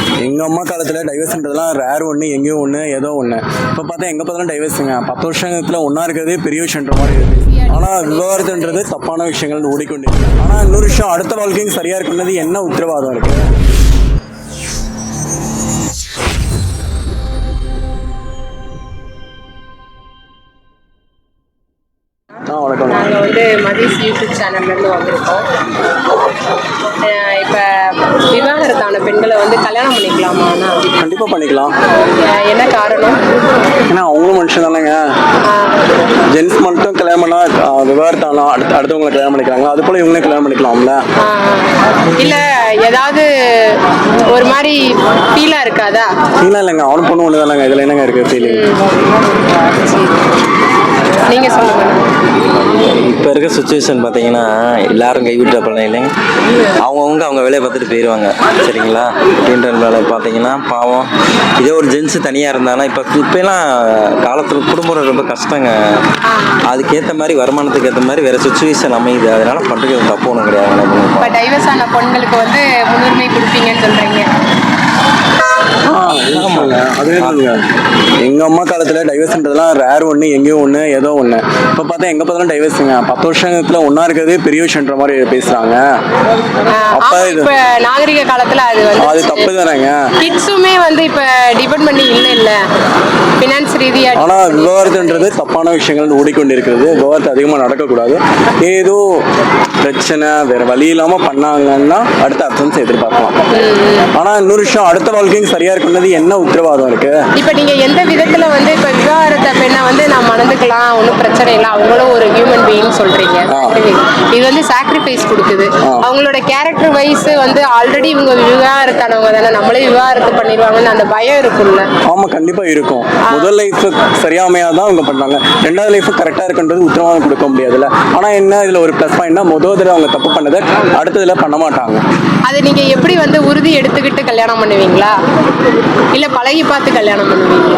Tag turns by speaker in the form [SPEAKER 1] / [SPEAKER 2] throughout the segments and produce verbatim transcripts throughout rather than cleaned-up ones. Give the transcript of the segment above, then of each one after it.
[SPEAKER 1] எங்கள் அம்மா காலத்தில் டைவர்ஸ்ன்றதுலாம் ரேர் ஒன்று, எங்கேயும் ஒன்று, ஏதோ ஒன்று. இப்போ பார்த்தா எங்கே பார்த்தாலும் டைவர்ஸுங்க. பத்து வருஷத்தில் ஒன்றா இருக்கிறதே பெரிய விஷயன்ற மாதிரி இருக்குது. ஆனால் விவாகரத்துன்றது தப்பான விஷயங்கள் ஓடிக்கொண்டு. ஆனால் இன்னொரு விஷயம், அடுத்த வாழ்க்கையும் சரியாக இருக்குன்றது என்ன உத்தரவாதம் இருக்குது?
[SPEAKER 2] நாங்கள் வந்து மதிஸ் யூடியூப் சேனல்லேருந்து வந்திருக்கோம். இப்போ விவாகரத்தான பெண்களை வந்து கல்யாணம் பண்ணிக்கலாமாண்ணா?
[SPEAKER 1] கண்டிப்பாக பண்ணிக்கலாம்.
[SPEAKER 2] என்ன காரணம்?
[SPEAKER 1] ஏன்னா அவங்களும் மனுஷன் தானேங்க. ஜென்ஸ் மட்டும் கல்யாணம் பண்ணால் விவாகரத்தானா அடுத்த அடுத்தவங்களை கல்யாணம் பண்ணிக்கிறாங்க, அது போல் இவங்களே கல்யாணம் பண்ணிக்கலாம்ல?
[SPEAKER 2] இல்லை ஏதாவது ஒரு மாதிரி ஃபீலாக இருக்காதா?
[SPEAKER 1] ஃபீலாக இல்லைங்க, அவனும் பொண்ணு ஒன்று தானேங்க. இதில் என்னங்க இருக்குது ஃபீலிங்?
[SPEAKER 2] நீங்கள் சொல்லுங்கள்.
[SPEAKER 3] இப்போ இருக்க சுச்சுவேஷன் பார்த்தீங்கன்னா எல்லாரும் கைவிட்ட பழம் இல்லைங்க, அவங்கவுங்க அவங்க வேலையை பார்த்துட்டு போயிடுவாங்க. சரிங்களா? அப்படின்ற வேலை பார்த்தீங்கன்னா பாவம், இதே ஒரு ஜென்ஸு தனியாக இருந்தாங்கன்னா இப்போ இப்போலாம் காலத்தில் குடும்பம் ரொம்ப கஷ்டங்க. அதுக்கேற்ற மாதிரி வருமானத்துக்கு ஏற்ற மாதிரி வேறு சுச்சுவேஷன் அமையுது. அதனால பண்ணுறது தப்பு ஒன்றும் கிடையாது.
[SPEAKER 2] இப்போ டைவர்ஸ் ஆன பொண்களுக்கு வந்து முன்னுரிமை கொடுப்பீங்கன்னு சொல்கிறீங்க.
[SPEAKER 1] அதுவே சொல்லுங்க. எங்க அம்மா காலத்துல டைவர்ஸ்ன்றதுலாம் ரேர் ஒன்று, எங்கேயும் ஒன்று, ஏதோ ஒன்று. இப்போ பார்த்தா எங்க பார்த்தாலும் டைவர்ஸுங்க. பத்து வருஷத்துல ஒன்றா இருக்கிறதே பெரிய விஷயன்ற மாதிரி பேசுறாங்க. அப்ப
[SPEAKER 2] இப்ப நாகரிக காலத்துல அது வந்து
[SPEAKER 1] அது தப்பு தானேங்க.
[SPEAKER 2] கிட்ஸுமே வந்து இப்ப டிபெண்ட் பண்ணி இல்லை இல்லை ஃபினான்ஸ் ரீதியா.
[SPEAKER 1] ஆனா விவாகரத்துன்றது தப்பான விஷயங்கள் ஓடிக்கொண்டு இருக்கிறது. விவாகரத்து அதிகமாக நடக்கக்கூடாது. ஏதோ பிரச்சனை வேற வழி இல்லாம பண்ணாங்கன்னா அடுத்த அர்த்தம் எதிர்பார்க்கலாம். ஆனா இன்னொரு விஷயம், அடுத்த வாழ்க்கையும் சரியா இருக்குன்றது என்ன உத்தரவாதம் இருக்கு?
[SPEAKER 2] இப்ப நீங்க எந்த விதத்துல வந்து இப்ப விவாகரத்தை பெண்ணை வந்து நான் மணந்துக்கலாம், ஒன்றும் பிரச்சனை இல்லை, அவங்களும் ஒரு ஹியூமன் பீயிங் சொல்றீங்க. இது வந்து சாக்ரிஃபைஸ் கொடுக்குது. அவங்களோட கேரக்டர் வைஸ் வந்து ஆல்ரெடி இவங்க விவாகரத்தானவங்க தானே, நம்மளே விவாகரத்து பண்ணிடுவாங்கன்னு அந்த பயம் இருக்கும்ல?
[SPEAKER 1] ஆமா, கண்டிப்பா இருக்கும். முதல் லைஃப் சரியாமையாதான் அவங்க பண்ணாங்க. ரெண்டாவது லைஃப் கரெக்டா இருக்குன்றது உத்தரவாதம் கொடுக்க முடியாதுல்ல. ஆனா என்ன இதுல ஒரு பிளஸ் பாயிண்ட்னா, முதல் தடவை அவங்க தப்பு பண்ணதை அடுத்ததுல பண்ண மாட்டாங்க.
[SPEAKER 2] அது நீங்க எப்படி வந்து உறுதி எடுத்துக்கிட்டு கல்யாணம் பண்ணுவீங்களா, இல்ல பழகி பார்த்து கல்யாணம் பண்ணுவீங்களா?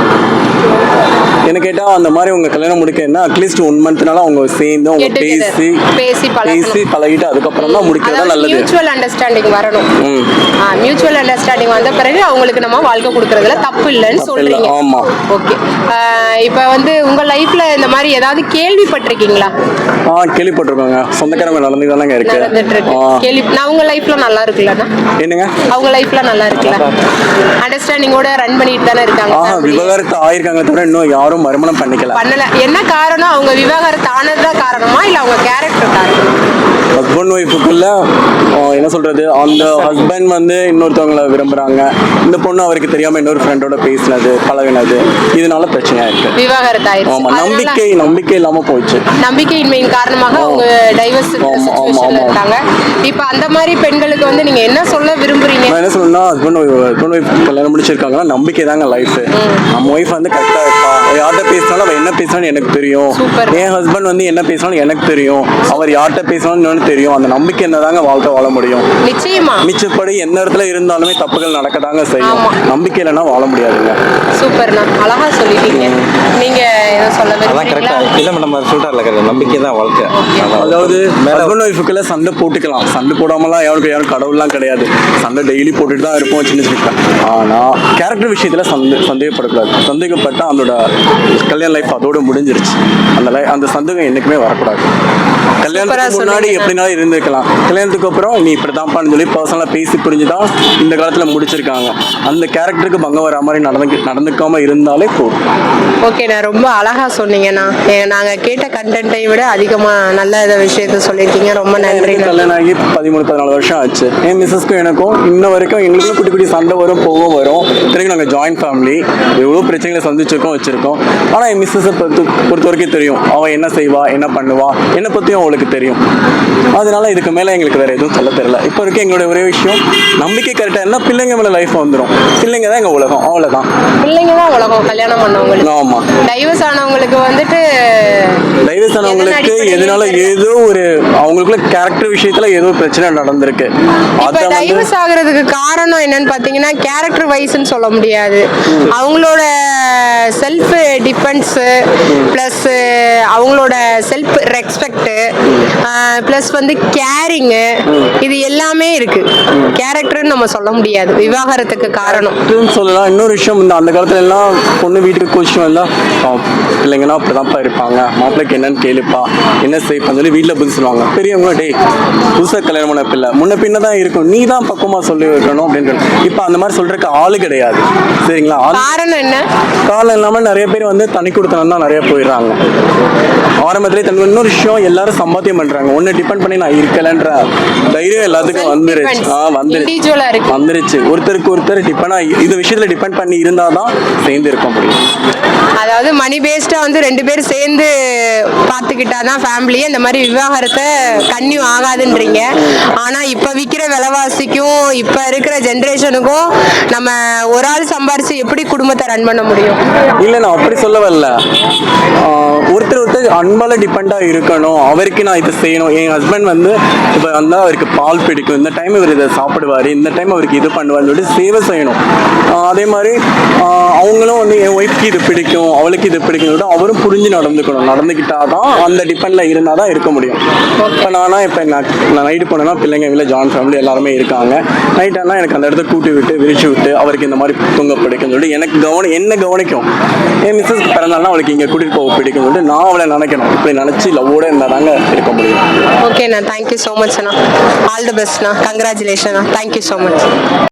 [SPEAKER 1] என்ன கேட்டா அந்த மாதிரி உங்க கல்யாணம் முடிக்கணும்னா அட்லீஸ்ட் ஒன் மந்த்னால அவங்க சேர்ந்து அவங்க பேசி
[SPEAKER 2] பேசி
[SPEAKER 1] பேசி பழகிட்டு அதுக்கப்புறம் தான் முடிக்கிறதா நல்லது.
[SPEAKER 2] மியூச்சுவல் அண்டர்ஸ்டாண்டிங் வரணும். மியூச்சுவல் அண்டர்ஸ்டாண்டிங் வந்த பிறகு அவங்களுக்கு நம்ம வாழ்க்கை கொடுக்கறதுல தப்பு இல்லைன்னு சொல்றீங்க.
[SPEAKER 1] ஆமா,
[SPEAKER 2] ஓகே. இப்போ வந்து உங்க லைஃப்ல இந்த மாதிரி ஏதாவது கேள்விப்பட்டிருக்கீங்களா?
[SPEAKER 1] ஆ, கேள்விப்பட்டிருக்கோங்க. சொந்தக்காரங்க நடந்து தானங்க இருக்கு.
[SPEAKER 2] கேள்வி நான் உங்க லைஃப்ல நல்லா இருக்குல்லண்ணா?
[SPEAKER 1] என்னங்க
[SPEAKER 2] அவங்க லைஃப்ல நல்லா இருக்குல்ல? அண்டர்ஸ்டாண்டிங்கோட ரன் பண்ணிட்டு தானே இருக்காங்க.
[SPEAKER 1] விவாகரத்து ஆயிருக்காங்க தவிர இன்னும் யாரும் மறுமணம் பண்ணிக்கல.
[SPEAKER 2] பண்ணல. என்ன காரணம்? அவங்க விவாகரத்து ஆனதுதான் காரணமா இல்ல அவங்க கேரக்டர் காரணமா?
[SPEAKER 1] ஹஸ்பண்ட் ஒய்ஃபுக்குள்ள என்ன சொல்றது, அந்த ஹஸ்பண்ட் வந்து இன்னொருத்தவங்களை விரும்புறாங்க, இந்த பொண்ணு அவருக்கு தெரியாம இன்னொரு ஃப்ரெண்டோட பேசினது பழகினது, இதனால பிரச்சனையா இருக்கு.
[SPEAKER 2] விவாகரத்து ஆயிடுச்சு.
[SPEAKER 1] ஆமா, நம்பிக்கை நம்பிக்கை இல்லாம போயிடுச்சு.
[SPEAKER 2] நம்பிக்கையின்மையின் காரணமாக அவங்க டைவர்ஸ் சிச்சுவேஷன்ல இருக்காங்க. இப்போ அந்த மாதிரி பெண்களுக்கு வந்து நீங்க என்ன சொல்ல விரும்புறீங்க?
[SPEAKER 1] நான் என்ன சொல்லணும்னா, ஹஸ்பண்ட் ஹஸ்பண்ட் ஒய்ஃப் கல்யாணம் முடிச்சிருக்காங்கன்னா நம்பிக்கை தாங்க லைஃப். நம்ம ஒய்ஃப் வந்து கரெக்டா இருப்பா, யார்கிட்ட பேசினாலும் அவ என்ன பேசினாலும் எனக்கு தெரியும். என் ஹஸ்பண்ட் வந்து என்ன பேசினாலும் எனக்கு தெரியும், அவர் யார்கிட்ட பேசினாலும் தெரியும். அந்த நம்பிக்கை என்னதாங்க வாழ்க்கை வாழ முடியும்.
[SPEAKER 2] நிச்சயமா.
[SPEAKER 1] மிச்சப்படி எந்த இடத்துல இருந்தாலுமே தப்புகள் நடக்கதாங்க செய்யும். நம்பிக்கை இல்லைன்னா வாழ முடியாதுங்க.
[SPEAKER 2] சூப்பர்ண்ணா, அழகா சொல்லிட்டீங்க. நீங்க ஏதோ சொல்ல
[SPEAKER 3] விரும்புறீங்களா? இல்ல நம்ம சொல்றாருல, நம்பிக்கை தான் வாழ்க்கை.
[SPEAKER 1] அதாவது ஹஸ்பண்ட் ஒய்ஃபுக்குள்ள சண்டை போட்டுக்கலாம், சண்டை போடாமலாம் யாருக்கு யாரும் கடவுள்லாம் கிடையாது. சண்டை டெய்லி போட்டுட்டு தான் இருப்போம் சின்ன சின்ன. ஆனா கேரக்டர் விஷயத்துல சந்தே சந்தேகப்படக்கூடாது. சந்தேகப்பட்டா அதோட கல்யாண லைஃப் அதோட முடிஞ்சிருச்சு. அந்த லை அந்த சந்தேகம் என்னைக்குமே வரக்கூடாது. கல்யாணத்துக்கு முன்னாடி எப்படினாலும் இருந்திருக்கலாம், கல்யாணத்துக்கு அப்புறம் நீ இப்படிதான்ப்பான்னு சொல்லி பர்சனலா பேசி புரிஞ்சுதான் இந்த காலத்துல முடிச்சிருக்காங்க. அந்த கேரக்டருக்கு பங்கம் வர மாதிரி நடந்து நடந்துக்காம இருந்தாலே போதும்.
[SPEAKER 2] ஓகே, நான் ரொம்ப அழகா சொன்னீங்கண்ணா. நாங்க கேட்ட கண்டென்ட்டை விட அதிகமா நல்ல விஷயத்த சொல்லியிருக்கீங்க. ரொம்ப நன்றி.
[SPEAKER 1] கல்யாணம் ஆகி பதிமூணு பதினாலு வருஷம் ஆச்சு. என் மிஸ்ஸஸ்க்கும் எனக்கும் இன்ன வரைக்கும் எங்களுக்கும் குட்டி குட்டி சண்டை வரும், போகும் வரும். திரும்பி நாங்கள் ஜாயின்ட் ஃபேமிலி, எவ்வளோ பிரச்சனைகளை சந்திச்சிருக்கோம் வச்சிருக்கோம். ஆனால் என் மிஸ்ஸஸை பொறுத்து பொறுத்த வரைக்கும் தெரியும், அவன் என்ன செய்வா என்ன பண்ணுவா, என்னை பற்றியும் அவளுக்கு தெரியும். அதனால இதுக்கு மேலே எங்களுக்கு வேற எதுவும் சொல்ல தெரியல. இப்போ வரைக்கும் எங்களுடைய ஒரே விஷயம், நம்பிக்கை கரெக்டாக இருந்தால் பிள்ளைங்க மேலே லைஃப் வந்துடும். பிள்ளைங்க தான் எங்கள் உலகம், அவ்வளோதான். பிள்ளைங்க தான் உலகம். கல்யாணம் பண்ணவங்களுக்கு. ஆமாம். டைவர்ஸ் ஆனவங்களுக்கு வந்துட்டு டைவர்ஸ் ஆனவங்களுக்கு எதனால ஏதோ ஒரு அவங்களுக்குள்ள கேரக்டர் விஷயத்துல ஏதோ பிரச்சனை நடந்திருக்கு.
[SPEAKER 2] இப்ப டைவர்ஸ் ஆகுறதுக்கு காரணம் என்னன்னு பாத்தீங்கன்னா கேரக்டர் வைஸ்ன்னு சொல்ல முடியாது. அவங்களோட செல்ஃப் டிஃபென்ஸ் பிளஸ் அவங்களோட செல்ஃப் ரெஸ்பெக்ட் ப்ளஸ் வந்து கேரிங்கு, இது எல்லாமே இருக்கு. கேரக்டர்னு நம்ம சொல்ல முடியாது விவாகரத்துக்கு காரணம்.
[SPEAKER 1] இதுன்னு சொல்லலாம். இன்னொரு விஷயம் இந்த அந்த காலத்துல எல்லாம் பொண்ணு வீட்டுக்கு கோச்சிட்டு வந்தா "ஆ, பிள்ளைங்கன்னா அப்படிதான்ப்பா இருப்பாங்க, மாப்பிள்ளைக்கு என்னன்னு கேளுப்பா, என்ன செய்ப்பான்னு சொல்லி வீட்டில் பதில் சொல்லுவாங்க. பெரியவங்க டேய் புதுசாக கல்யாணம் பண்ண பிள்ளை முன்ன பின்ன தான் இருக்கும், நீ தான் பக்குவமாக சொல்லி வைக்கணும் அப்படின்னு. இப்போ அந்த மாதிரி சொல்றதுக்கு ஆளு கிடையாது. சரிங்களா? ஆளு
[SPEAKER 2] காரணம் என்ன?
[SPEAKER 1] காலம் இல்லாமல் நிறைய பேர் வந்து தனி கொடுத்தனம் தான் நிறைய போயிடுறாங்க. ஆரம்பத்திலே தன் இன்னொரு விஷயம் எல்லாரும் சம்பாத்தியம் பண்றாங்க. ஒன்னு டிபெண்ட் பண்ணி நான் இருக்கலன்ற தைரியம் எல்லாத்துக்கும் வந்துருச்சு. ஆ வந்துருச்சு
[SPEAKER 2] இண்டிவிஜுவலா இருக்கு.
[SPEAKER 1] வந்துருச்சு ஒருத்தருக்கு ஒருத்தர் டிபெண்ட் இது விஷயத்துல டிபெண்ட் பண்ணி இருந்தாதான் சேர்ந்து இருக்க முடியும்.
[SPEAKER 2] அதாவது மணி பேஸ்டா வந்து ரெண்டு பேரும் சேர்ந்து பார்த்துக்கிட்டாதான் ஃபேமிலியே இந்த மாதிரி விவாகரத்தை கன்னியூ ஆகாதுன்றீங்க. ஆனா இப்ப விற்கிற விலைவாசிக்கும் இப்ப இருக்கிற ஜென்ரேஷனுக்கும் நம்ம ஒரு ஆள் சம்பாரிச்சு எப்படி குடும்பத்தை ரன் பண்ண முடியும்?
[SPEAKER 1] இல்ல நான் அப்படி சொல்ல வரல. ஆஹ் ஒருத்தர் ஒருத்தர் அன்பால டிபெண்டா இருக்கணும். அவருக்கு நான் இதை செய்யணும். என் ஹஸ்பண்ட் வந்து இப்ப வந்தா அவருக்கு பால் பிடிக்கும், இந்த டைம் இவர் இதை சாப்பிடுவாரு, இந்த டைம் அவருக்கு இது பண்ணுவாருன்னு சொல்லிட்டு சேவை செய்யணும். ஆஹ் அதே மாதிரி ஆஹ் அவங்களும் வந்து என் ஒய்ஃப்க்கு இது பிடிக்கும், அவளுக்கு இது பிடிக்கும் சொல்லிட்டு அவரும் புரிஞ்சு நடந்துக்கணும். நடந்துக்கிட்டாதான் அந்த டிபெண்ட்ல இருந்தாதான் இருக்க முடியும். இப்போ நானா இப்போ நான் நைட்டு போனேன்னா பிள்ளைங்க வீட்டில் ஜாயின்ட் ஃபேமிலி எல்லாருமே இருக்காங்க. நைட் ஆனால் எனக்கு அந்த இடத்த கூட்டி விட்டு விரிச்சு விட்டு அவருக்கு இந்த மாதிரி தூங்க பிடிக்கும் சொல்லிட்டு எனக்கு கவனம் என்ன கவனிக்கும். என் மிஸ்ஸஸ்க்கு பிறந்தாலும் அவளுக்கு இங்கே கூட்டிட்டு போக பிடிக்கும் சொல்லிட்டு நான் அவளை நினைக்கணும். இப்படி நினச்சி லவ்வோட இருந்தால் தாங்க இருக்க முடியும்.
[SPEAKER 2] ஓகேண்ணா, தேங்க்யூ ஸோ மச் அண்ணா. ஆல் தி பெஸ்ட்ண்ணா, கங்க்ராச்சுலேஷன். Thank you so much.